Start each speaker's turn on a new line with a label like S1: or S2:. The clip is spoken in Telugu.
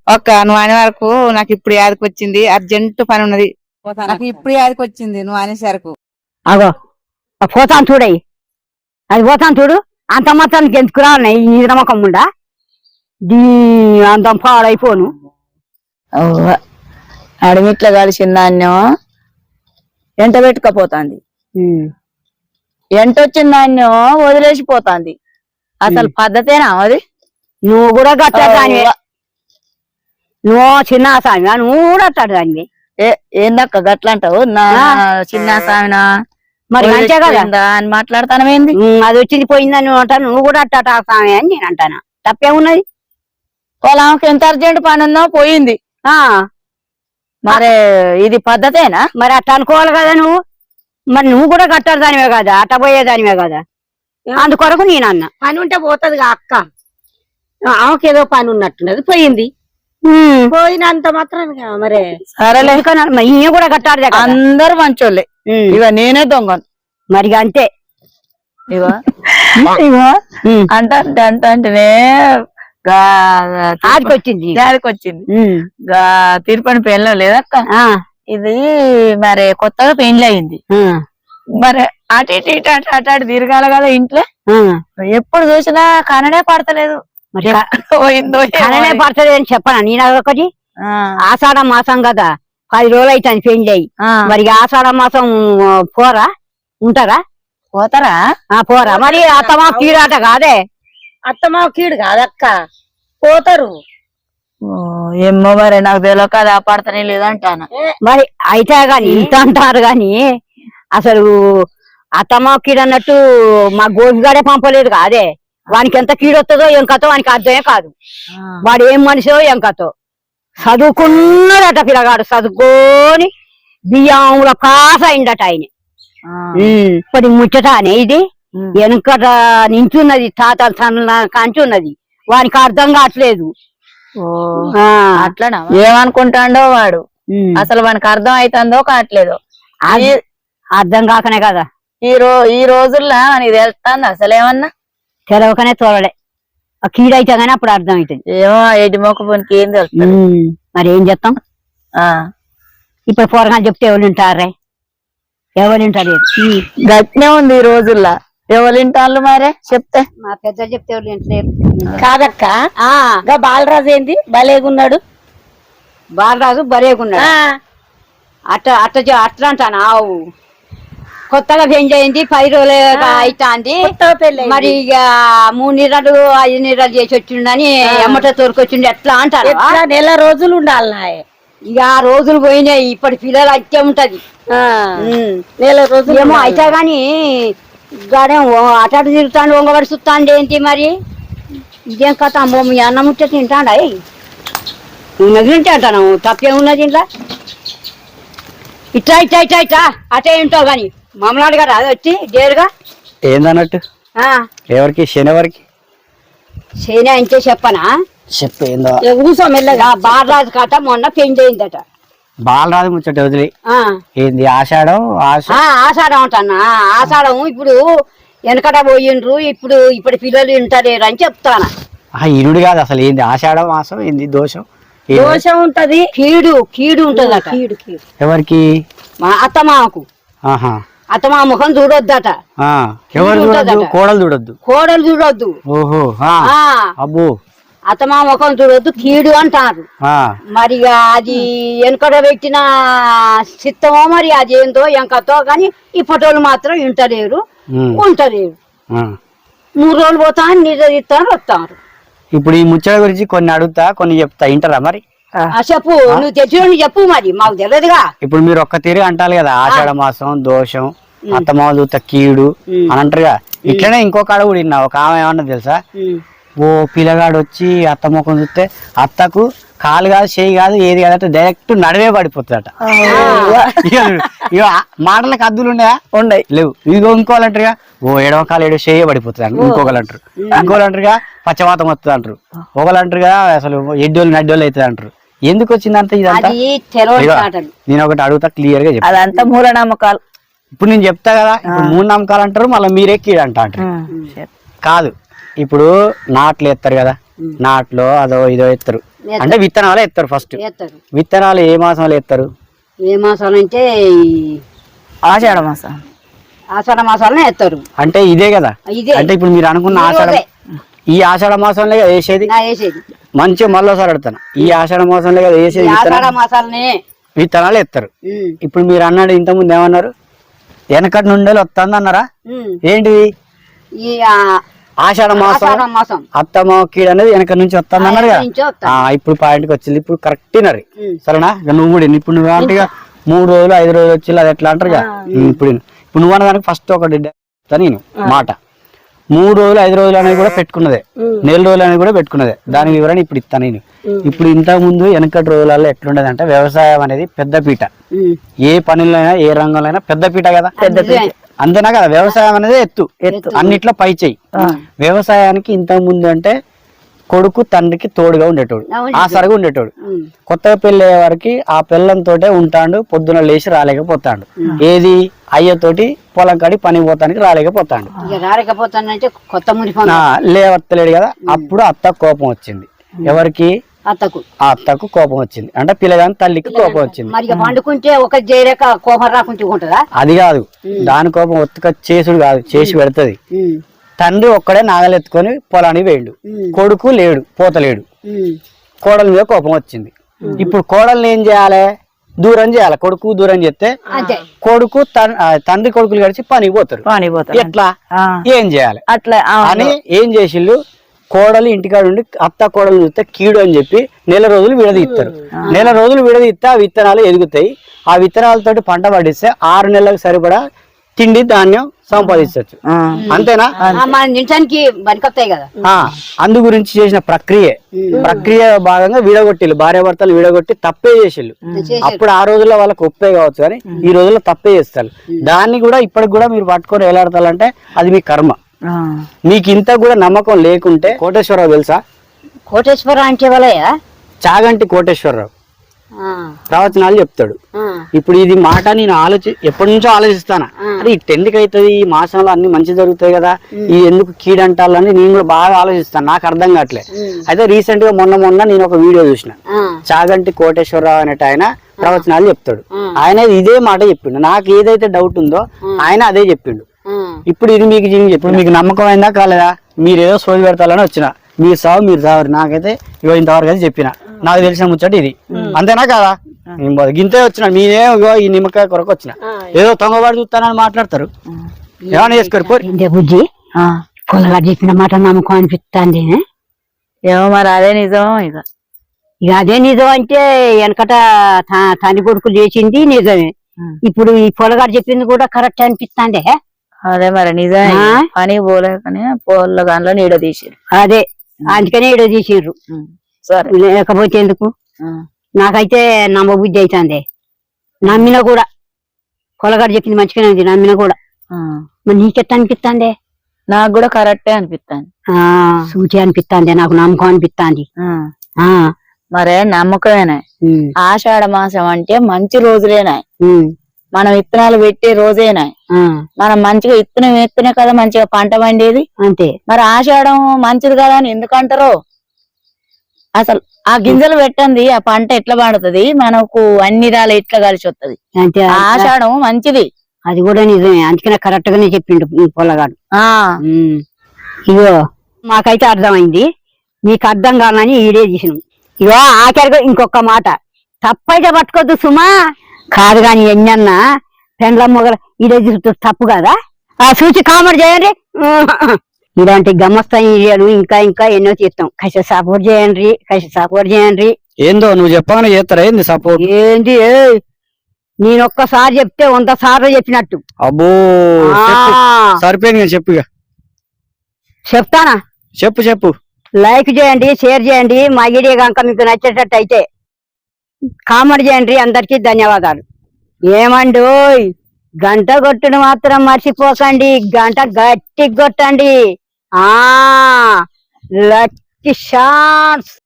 S1: నువ్వు అనే వరకు నాకు ఇప్పుడు యాదకి వచ్చింది, అర్జెంట్ పని ఉన్నది. నాకు ఇప్పుడు యాదకి వచ్చింది నువ్వు అనేసరికి.
S2: అగో పోతాను చూడయి, అది పోతాను చూడు. అంత మాత్రానికి ఎందుకు రాన్నాయి ఈ నమ్మకం ఉండా అంతం పాడైపోను.
S3: అడమిట్ల కలిసిన ధాన్యం ఎంట పెట్టుకపోతాంది, ఎంటొచ్చిన ధాన్యం వదిలేసిపోతాంది. అసలు పద్ధతేనా అది?
S2: నువ్వు కూడా గట్టాడు దానివే, నువ్వు చిన్న సామివా, నువ్వు కూడా అట్టాడు దానివి.
S3: ఏందక్క గట్లంటావు? నా చిన్న సామినా
S2: మరి అంతే కదా
S3: అని మాట్లాడతానమేంది?
S2: అది వచ్చింది పోయిందని అంటాను, నువ్వు కూడా అట్టాట సామి అని నేను అంటాను. తప్పేమున్నది?
S3: వాళ్ళకి ఎంత అర్జెంట్ పని ఉందో పోయింది. మరి ఇది పద్ధతేనా?
S2: మరి అట్ట అనుకోవాలి కదా నువ్వు. మరి నువ్వు కూడా కట్టారు దానివే కదా, అట్ట పోయేదానివే కదా. అందుకొరకు నేను అన్నా
S4: పని ఉంటే పోతుంది అక్క. ఆమెకి ఏదో పని ఉన్నట్టున్నది, పోయింది. పోయినంత మాత్రం మరి
S3: సరేలే,
S2: ఈయన కూడా కట్టారు.
S3: అందరు మంచోళ్ళే, ఇక నేనే దొంగను
S2: మరి అంతే.
S3: ఇగో ఇగో అంటేనే
S2: ఆదికొచ్చింది
S3: తిరుపతి పెళ్ళం లేదక్క. ఇది మరి కొత్తగా పెండ్లి అయింది. మరి అటు ఇటు ఇటు అటు అటు అటు తిరగాల కదా ఇంట్లో. ఎప్పుడు చూసినా కననే పడతలేదు.
S2: పోయిందో కననే పడతలేదు అని చెప్పనా నేను? అదొకటి ఆషాఢ మాసం కదా, 10 రోజులు అవుతాను పెండ్లి అయ్యి. మరి ఆషాఢ మాసం పోరా ఉంటారా?
S3: పోతారా?
S2: పోరా. మరి అత్తమా కీడాట కాదే?
S4: అత్తమా కీడు కాదక్క, పోతారు.
S3: ఏమో మరి నాకు తెలియక అది ఆపడతానే లేదంటాను.
S2: మరి అయితే గాని ఇంత అంటారు గాని అసలు అత్తమా కీడు అన్నట్టు మా గోపిగాడే పంపలేదు కాదే. వానికి ఎంత కీడు వస్తుందో ఏం కథో వానికి అర్థమే కాదు. వాడు ఏం మనిషో ఏం కథో. చదువుకున్నాడట పిల్లగాడు, చదువుకొని బియ్యంలో పాస్ అయిందట ఆయన. ఇప్పుడు ముచ్చట అనే ఇది వెనుకట నించున్నది, తాతల తన కంచి ఉన్నది. వానికి అర్థం కావట్లేదు.
S3: అట్లనా? ఏమనుకుంటాడో వాడు, అసలు వానికి అర్థం అవుతుందో కావట్లేదు.
S2: అర్థం కాకనే కదా
S3: ఈ రోజుల్లో నీకు తెలుస్తుంది అసలు ఏమన్నా?
S2: తెలవకనే తోలడే. కీడైతే గానీ అప్పుడు అర్థం అవుతుంది.
S3: ఏమో ఎడి మొక్కపోనికి ఏం తెలుస్తుంది.
S2: మరి ఏం చెప్తాం? ఇప్పుడు పోరగాలు చెప్తే ఎవరు వింటారే? ఎవరు వింటారు?
S3: గట్నే ఉంది ఈ రోజుల్లో. ఎవరు వింటారు మరే చెప్తే?
S2: మా పెద్ద చెప్తే ఎవరు వింటలేరు.
S4: కాదక్క, బాలరాజు ఏంది భలేగున్నాడు.
S2: బాలరాజు బరేగున్నాడు. అట్లా అంటాను. ఆవు కొత్తగా పెళ్లి అయింది, 10 రోజులు అవుతాంది. మరి ఇక 3 నీళ్ళు 5 నీళ్ళు చేసి వచ్చిండని ఎమ్మట తోరుకొచ్చిండు ఎట్లా అంటారు?
S4: నెల రోజులు ఉండాలి.
S2: ఇక ఆ రోజులు పోయినాయి. ఇప్పటి పిల్లలు అయితే ఉంటది.
S4: నెల రోజులు
S2: ఏమో అయితే గాని గాడే అటాటు తిరుగుతాండు, ఒంగబడి చూస్తాండి ఏంటి మరి? ఇదేం కథ? అమ్మో మీ అన్న ముచ్చట తింటాడా? ఉన్నది తింటే అంటాను, తప్పేమున్నది ఇంట్లో? ఇట్లా ఇట్లా ఇట్లా ఇట్లా అటే ఉంటావు గాని మమ్మలాడు గారు అది వచ్చి డేరుగా
S5: ఏందన్నట్టు ఎవరికి శనివారికి
S2: శని అంటే చెప్పనా?
S5: చెప్పు ఏందో.
S2: కూర్చో మెల్లగా. బాలరాజు కథ మొన్న పెళ్లి అయిందట.
S5: బాలరాజు ముచ్చట వదిలి ఏంది ఆషాఢం?
S2: ఆషాఢం అంటానా? ఆషాఢం ఇప్పుడు వెనకట పోయిండ్రు, ఇప్పుడు పిల్లలు వింటలేరు అని చెప్తానా.
S5: ఇరుడు కాదు అసలు ఏంది ఆషాఢం మాసం? ఏంది దోషం?
S2: దోషం ఉంటది, కీడు ఉంటదట.
S5: ఎవరికి?
S2: మా అత్తమామకు. అత్తమా ముఖం చూడొద్దట.
S5: ఎవరు చూడొద్దు? కోడలు చూడొద్దు. ఓహో అబ్బో.
S2: అత్తమా ముఖం చూడొద్దు, కీడు అంటారు. మరి అది వెనుకడ పెట్టిన చిత్తమో మరి అది ఏందో ఎంకతో గాని ఇప్పటోళ్ళు మాత్రం వింటలేరు, ఉంటలేరు. 3 రోజులు పోతాను, నిద్రస్తాను, వస్తారు.
S5: ఇప్పుడు ఈ ముచ్చట గురించి కొన్ని అడుగుతా, కొన్ని చెప్తా, వింటారా మరి?
S2: చెప్పు, నువ్వు తెచ్చిన చెప్పు, మరి మాకు తెలియదుగా.
S5: ఇప్పుడు మీరు ఒక్క తీరు అంటారు కదా, ఆషాఢ మాసం దోషం, అత్తమామ చూత కీడు అని అంటారుగా. ఇట్లనే ఇంకొక ఆడ కూడా విన్నా. ఒక ఆమె ఏమన్నా తెలుసా? ఓ పిల్లగాడు వచ్చి అత్త ముఖం చూస్తే అత్తకు కాలు కాదు, చేయి కాదు, ఏది కాదంటే డైరెక్ట్ నడివే పడిపోతుందట. ఇక మాటలకు అద్దులు ఉండయి లేవు. ఇగో ఇంకోలంటారుగా ఓ ఎడవ కాలు ఏడో చేయ పడిపోతుంది అంటారు. ఇంకొకరు అంటారు. ఇంకోలంటారుగా పచ్చవాతం వస్తుంది అంటారు. ఒకలంటారుగా అసలు ఎడ్డోళ్ళు నడ్డోళ్ళు అవుతుంది అంటారు. ఎందుకు వచ్చిందంత ఇదంతా? నేను ఒకటి అడుగుతా క్లియర్ గా చెప్తా.
S3: అదంతా మూఢనమ్మకాలు.
S5: ఇప్పుడు నేను చెప్తా కదా, ఇప్పుడు 3 నమ్మకాలు అంటారు, మళ్ళీ మీరే కీడు అంటారు. కాదు, ఇప్పుడు నాట్లు ఎత్తారు కదా, నాట్లో అదో ఇదో ఎత్తారు. అంటే విత్తనాలు ఎత్తారు ఫస్ట్.
S4: వేస్తారు.
S5: విత్తనాలు ఏ మాసంలో ఎత్తారు?
S4: ఏ మాసాలు అంటే
S3: ఆషాఢ మాసం.
S4: ఆషాఢ మాసాలనే వేస్తారు.
S5: అంటే ఇదే కదా.
S4: ఇదే
S5: అంటే ఇప్పుడు మీరు అనుకున్న ఆషాఢ, ఈ ఆషాఢ మాసంలో కదా వేసేది.
S4: వేసేది
S5: మంచిగా మళ్ళీసారి అడుగుతాను, ఈ ఆషాఢ మాసంలో కదా వేసేది
S4: ఆషాఢ మాసాలనే
S5: విత్తనాలు ఎత్తారు. ఇప్పుడు మీరు అన్నాడు ఇంతకుముందు ఏమన్నారు, వెనకటి నుండి వస్తుంది అన్నారా? ఏంటిది?
S4: ఈ
S5: ఆషాఢ మాసం అత్తమ్మ కీడు అనేది వెనక నుంచి వస్తుంది అన్నారు కదా. ఇప్పుడు పాయింట్కి వచ్చింది. ఇప్పుడు కరెక్ట్ నరి సరేనా? నువ్వు కూడా ఇప్పుడు నువ్వు అంటే 3 రోజులు 5 రోజులు వచ్చి అది ఎట్లా అంటారు కదా. ఇప్పుడు నువ్వు అన్నదానికి ఫస్ట్ ఒకటి నేను మాట 3 రోజులు 5 రోజులు అనేది కూడా పెట్టుకున్నదే, 4 రోజులు అనేది కూడా పెట్టుకున్నదే. దాని వివరణ ఇప్పుడు ఇస్తాను నేను. ఇప్పుడు ఇంతకు ముందు వెనకటి రోజులలో ఎట్లుండదు అంటే వ్యవసాయం అనేది పెద్దపీట. ఏ పనుల్లో అయినా ఏ రంగంలో అయినా పెద్దపీట కదా. అంతేనా కదా? వ్యవసాయం అనేది ఎత్తు అన్నిట్లో పై చెయ్యి. వ్యవసాయానికి ఇంతకు ముందు అంటే కొడుకు తండ్రికి తోడుగా ఉండేటోడు, ఆసరగా ఉండేటోడు. కొత్తగా పెళ్లి అయ్యే వారికి ఆ పిల్లంతోటే ఉంటాడు, పొద్దున లేచి రాలేకపోతాడు. ఏది అయ్యతోటి పొలం కాడి పని పోతానికి రాలేకపోతాడు. లేవత్తలేడు కదా. అప్పుడు అత్త కోపం వచ్చింది. ఎవరికి? అత్తకు కోపం వచ్చింది. అంటే పిల్లగాని తల్లికి కోపం వచ్చింది.
S4: పండుకుంటే ఒక చేయలేక కోపం రాకుంటే ఉంటదా?
S5: అది కాదు, దాని కోపం ఒత్తుక చేసుడు కాదు, చేసి పెడతది. తండ్రి ఒక్కడే నాగలెత్తుకొని పొలానికి వేయండు, కొడుకు లేడు, పోతలేడు. కోడల మీద కోపం వచ్చింది. ఇప్పుడు కోడల్ని ఏం చేయాలి? దూరం చేయాలి. కొడుకు దూరం చేస్తే కొడుకు తండ్రి కొడుకులు కలిసి పనికి పోతారు. ఎట్లా ఏం చేయాలి
S3: అట్లా
S5: అని ఏం చేసిళ్ళు? కోడలు ఇంటికాడ ఉండి అత్త కోడలు చూస్తే కీడు అని చెప్పి 4 రోజులు విడదీస్తారు. 4 రోజులు విడదీస్తే ఆ విత్తనాలు ఎదుగుతాయి. ఆ విత్తనాలతోటి పంట పండిస్తే 6 నెలలకు సరిపడా తిండి ధాన్యం సంపాదించవచ్చు. అంతేనా? అందు గురించి చేసిన ప్రక్రియ భాగంగా విడగొట్టిల్లు, భార్యాభర్తలు విడగొట్టి తప్పే చేసిళ్ళు. అప్పుడు ఆ రోజుల్లో వాళ్ళకి ఒప్పే కావచ్చు, కానీ ఈ రోజుల్లో తప్పే చేస్తారు. దాన్ని కూడా ఇప్పటికి కూడా మీరు పట్టుకొని వేలాడతారంటే అది మీ కర్మ. మీకు ఇంత కూడా నమ్మకం లేకుంటే కోటేశ్వరరావు తెలుసా?
S4: కోటేశ్వరరావు అంటే వాళ్ళయా?
S5: చాగంటి కోటేశ్వరరావు ప్రవచనాలు చెప్తాడు. ఇప్పుడు ఇది మాట నేను ఎప్పటి నుంచో ఆలోచిస్తాను. అది ఎందుకు అవుతుంది, ఈ మాసంలో అన్ని మంచి జరుగుతాయి కదా, ఈ ఎందుకు కీడంటాలని నేను కూడా బాగా ఆలోచిస్తాను. నాకు అర్థం కావట్లే. అయితే రీసెంట్ గా మొన్న నేను ఒక వీడియో చూసిన. చాగంటి కోటేశ్వరరావు అనేట ఆయన ప్రవచనాలు చెప్తాడు. ఆయన ఇదే మాట చెప్పిండు. నాకు ఏదైతే డౌట్ ఉందో ఆయన అదే చెప్పిండు. ఇప్పుడు ఇది మీకు ఇప్పుడు మీకు నమ్మకం అయిందా కాలేదా? మీరు ఏదో సోది పెడతాలని వచ్చిన, మీరు సావరు. నాకైతే ఇంతవరకు అయితే చెప్పిన, నాకు తెలిసిన ముచ్చట ఇది. అంతేనా కదా? గింతే వచ్చిన, మీరే ఈ నిమ్మకాయ కొరకు వచ్చిన, ఏదో తొంగబాటు చూస్తానని మాట్లాడతారు. ఏమైనా చేసుకోరు
S2: బుజ్జి. పొలగాడు చెప్పిన మాట నమ్మకం అనిపిస్తుంది.
S3: ఏమో మరి అదే నిజం.
S2: ఇక అదే నిజం అంటే వెనకట తండ్రి కొడుకు చేసింది నిజమే. ఇప్పుడు ఈ పొలగాడు చెప్పింది కూడా కరెక్ట్ అనిపిస్తుంది.
S3: అదే మరి నిజమే. పని పోలేకనే పొలగాన్లో నీడ తీసిరు.
S2: అదే అందుకనే ఈడ తీసిర్రు.
S3: సరే,
S2: లేకపోతే ఎందుకు? నాకైతే నమ్మబుద్ధి అవుతుంది. నమ్మిన కూడా పొలగాడు చెప్పింది మంచిగానే ఉంది, నమ్మిన కూడా. మరి నీకెట్ట అనిపిస్తుంది?
S3: నాకు కూడా కరెక్టే అనిపిస్తుంది.
S2: సూచి అనిపిస్తుంది, నాకు నమ్మకం అనిపిస్తుంది.
S3: మరే నమ్మకమేనా? ఆషాఢ మాసం అంటే మంచి రోజులేనా? మనం విత్తనాలు పెట్టే రోజేనా? మనం మంచిగా విత్తనం వేస్తేనే కదా మంచిగా పంట పండేది.
S2: అంతే.
S3: మరి ఆషాఢం మంచిది కదా అని ఎందుకంటారో? అసలు ఆ గింజలు పెట్టండి, ఆ పంట ఎట్లా పండుతుంది, మనకు అన్ని రాళ్ళు ఎట్లా కలిసి వస్తుంది.
S2: అంతే.
S3: ఆషాఢం మంచిది.
S2: అది కూడా నిజమే, అందుకనే కరెక్ట్ గానే చెప్పిండు ఈ పొలగాడు. ఇగో మాకైతే అర్థమైంది, మీకు అర్థం కావాలని ఈడే తీసినాం. ఇగో ఆఖరిగా ఇంకొక మాట, తప్పైతే పట్టుకోద్దు సుమా. కాదు కాని ఎన్నన్నా పెండ్ల మొగల ఈడే తప్పు కదా. చూసి కామెంట్ చేయండి. ఇలాంటి గమ్మస్తాయి వీడియోలు ఇంకా ఇంకా ఎన్నో చేస్తాం. కసి సపోర్ట్ చేయండి.
S5: ఏందో నువ్వు చెప్పగానే చేస్తారా ఏంది సపోర్ట్?
S2: ఏంటి నేను ఒక్కసారి చెప్తే 100 సార్లు చెప్పినట్టు.
S5: అబ్బో సరిపోయింది, చెప్పు.
S2: చెప్తానా?
S5: చెప్పు.
S2: లైక్ చేయండి, షేర్ చేయండి. మా వీడియో కనుక మీకు నచ్చేటట్టు అయితే కామెంట్ చేయండి. అందరికీ ధన్యవాదాలు. ఏమండి గంట కొట్టుడు మాత్రం మర్చిపోకండి. గంట గట్టి కొట్టండి. Lucky shots.